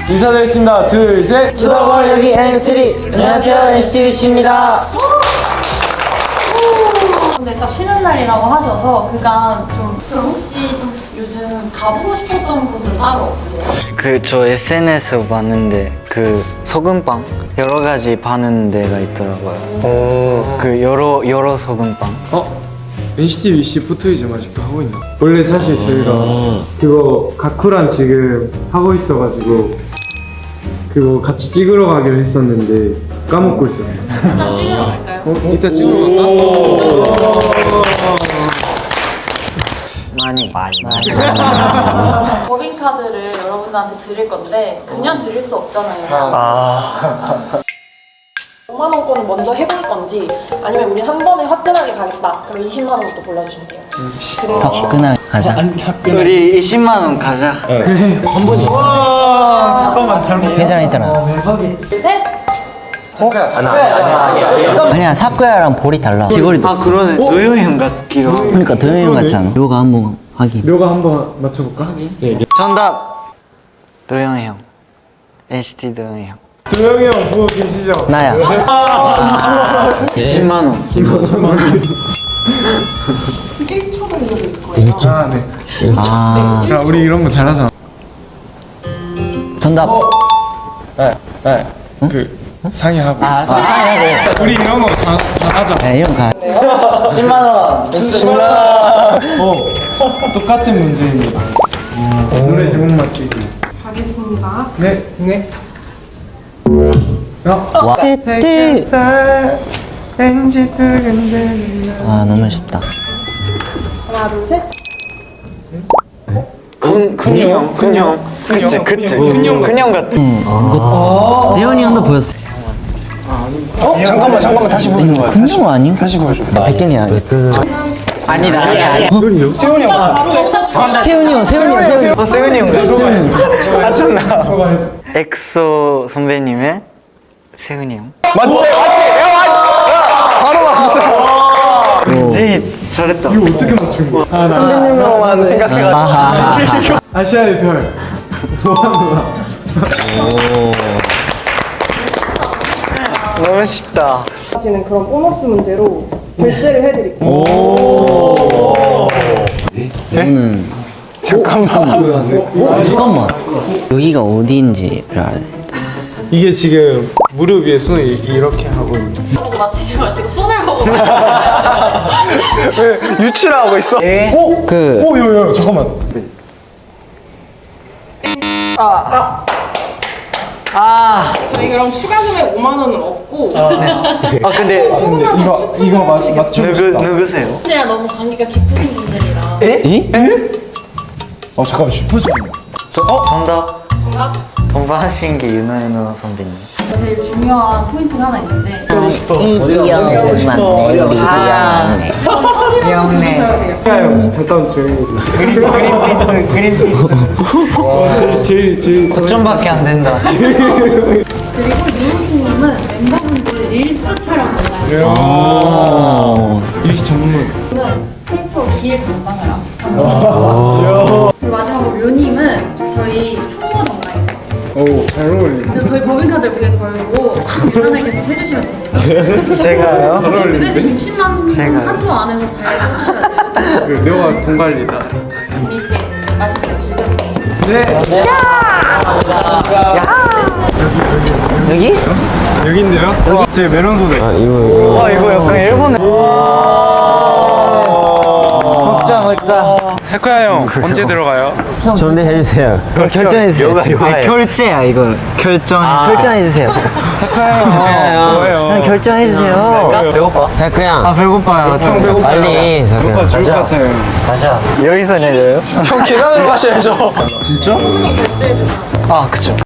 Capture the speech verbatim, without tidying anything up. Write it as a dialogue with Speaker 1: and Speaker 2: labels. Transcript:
Speaker 1: 인사드리겠습니다. 둘, 셋.
Speaker 2: 투더월 여기 엔쓰리. 안녕하세요, 엔시티비씨입니다.
Speaker 3: 근데 딱 쉬는 날이라고 하셔서 그간 좀 그럼 혹시 좀 요즘 가보고 싶었던 곳은 따로 없으세요?
Speaker 4: 그 저 에스엔에스 봤는데 그 소금빵 여러 가지 파는 데가 있더라고요.
Speaker 1: 어.
Speaker 4: 그 여러 여러 소금빵.
Speaker 1: 어? 엔시티비씨 포토이즘 아직도 하고 있나? 원래 사실 저희가 그거 가쿠랑 지금 하고 있어가지고 그거 같이 찍으러 가기로 했었는데 까먹고 있었어요.
Speaker 3: 일단 찍으러 갈까요?
Speaker 1: 어? 이따 찍으러 갈까?
Speaker 4: 많이 많이 많이.
Speaker 3: 법인카드를 여러분들한테 드릴 건데 그냥 드릴 수 없잖아요.
Speaker 5: 오만 원권을 먼저 해볼 건지 아니면 우리 한 번에 화끈하게 가겠다. 그럼 이십만 원부터 골라주시면 돼요. 그래요.
Speaker 4: 화끈하게 가자. 우리 이십만 원 가자.
Speaker 1: 잠깐만 잘못.
Speaker 4: 괜찮아 괜찮아.
Speaker 3: 둘, 셋.
Speaker 4: 아니야 삽구야랑 볼이 달라. 귀걸이도. 아 그러네. 도영이 형 같기도 하고. 그러니까 도영이 형 같지 않아? 요가 한번 확인.
Speaker 1: 묘가 한번 맞춰볼까? 네.
Speaker 4: 정답. 도영이 형. 엔시티 도영이 형.
Speaker 1: 도영이 형 보고 계시죠?
Speaker 4: 나야. 이십만 원.
Speaker 1: 일 초. 아, 네.
Speaker 4: 아
Speaker 1: 야, 우리 이런 거 잘하잖아.
Speaker 4: 정답.
Speaker 1: 네, 네. 그 상의하고.
Speaker 4: 아 상상하고.
Speaker 1: 우리 이런 거 다, 다 하자.
Speaker 4: 네 이런 가.
Speaker 2: 십만 원.
Speaker 1: 어, 똑같은 문제입니다. 노래 제목 맞추기.
Speaker 5: 가겠습니다.
Speaker 1: 네, 네.
Speaker 4: 와. 띠띠.
Speaker 1: 왠지 두근대는
Speaker 4: 아 너무 쉽다.
Speaker 5: 하나, 둘, 셋.
Speaker 4: 근 근형 근형. 그치 그치. 근형 근형 같은. 응. 재현이 형도 보였어.
Speaker 1: 어? 잠깐만, 잠깐만 다시 보여줘 봐.
Speaker 4: 근형 아니요? 다시 보여줘. 백현이 아니. 아니다 아니야 아니야.
Speaker 1: 세훈이 형.
Speaker 4: 세훈이 형 세훈이 형 세훈이 형.
Speaker 1: 어, 세훈이 형. 맞췄나?
Speaker 4: 엑소 선배님의 세훈이 형.
Speaker 1: 맞지, 맞지. 야, 맞. 바로 맞췄어.
Speaker 4: 제이 잘했다.
Speaker 1: 이거 어떻게 맞춘 거야?
Speaker 2: 선배님으로만 생각해가지고.
Speaker 4: 아하하하.
Speaker 1: 아시아의 별. 뭐하는
Speaker 4: 너무 쉽다.
Speaker 5: 지는 그런 보너스 문제로 결제를 해드릴게요.
Speaker 4: 이거는 잠깐만. 잠깐만. 여기가 어디인지를 알아야 돼.
Speaker 1: 이게 지금 무릎 위에 손을 이렇게 하고 있는.
Speaker 3: 보고 맞히지 마시고 손을 보고 맞히세요.
Speaker 1: 유치를 하고 있어. 오,
Speaker 4: 그
Speaker 1: 오, 요, 요, 잠깐만.
Speaker 5: 저희 그럼 추가 금액 오만 원은 없고
Speaker 4: 아 근데
Speaker 1: 이거 이거 맞 맞추고
Speaker 4: 누구
Speaker 1: 싶다.
Speaker 4: 누구세요?
Speaker 3: 분들이랑 너무 관계가 깊으신 분들이라
Speaker 1: 어 잠깐만 슈퍼주니어.
Speaker 4: 어 정답. 정답. 동방신기 윤호윤호 선배님.
Speaker 3: 제일 중요한 포인트가 하나 있는데
Speaker 1: 형 잠깐 조용히 해주세요.
Speaker 4: 그린피스 그린피스.
Speaker 1: 제일 제일 제일
Speaker 4: 고점밖에 안 된다.
Speaker 3: 그리고 유우스님은 멤버분들 릴스 촬영 담당이에요.
Speaker 4: 오.
Speaker 1: 유시 전문.
Speaker 3: 저는 캐릭터 길 담당을 합니다. 그리고 마지막으로 료님은 저희 총무 담당이세요.
Speaker 1: 오, 잘 어울린다.
Speaker 3: 그래서 저희 법인카드 무게 걸고 계산을 계속 해주시면 됩니다.
Speaker 4: 제가요?
Speaker 1: 잘
Speaker 3: 그
Speaker 1: 어울린다.
Speaker 3: 대신 육십만 원
Speaker 4: 제가요?
Speaker 3: 한도 안에서 잘 써주셔야 돼요.
Speaker 1: 그 묘가 돈 관리다.
Speaker 3: 재미있게 맛있게 즐겨주세요.
Speaker 1: 네.
Speaker 4: 여기?
Speaker 1: 여기인데요? 여기 제 메론 소대.
Speaker 4: 와 이거 약간 일본에. 먹자 먹자.
Speaker 1: 세코야 형 언제 들어가요?
Speaker 2: 정리해주세요.
Speaker 4: 결정해주세요. 아, 결제야 이거. 결정. 결정해주세요.
Speaker 1: 세코야 형 뭐예요?
Speaker 4: 그냥 결정해주세요.
Speaker 1: 배고파?
Speaker 2: 자, 그냥
Speaker 4: 아 배고파요.
Speaker 1: 형 배고파요.
Speaker 2: 빨리. 자,
Speaker 1: 배고파
Speaker 2: 그냥.
Speaker 1: 죽을 것 같아요.
Speaker 4: 가자. 여기서 내려요?
Speaker 1: 형 계단으로 가셔야죠.
Speaker 4: 아 그쵸.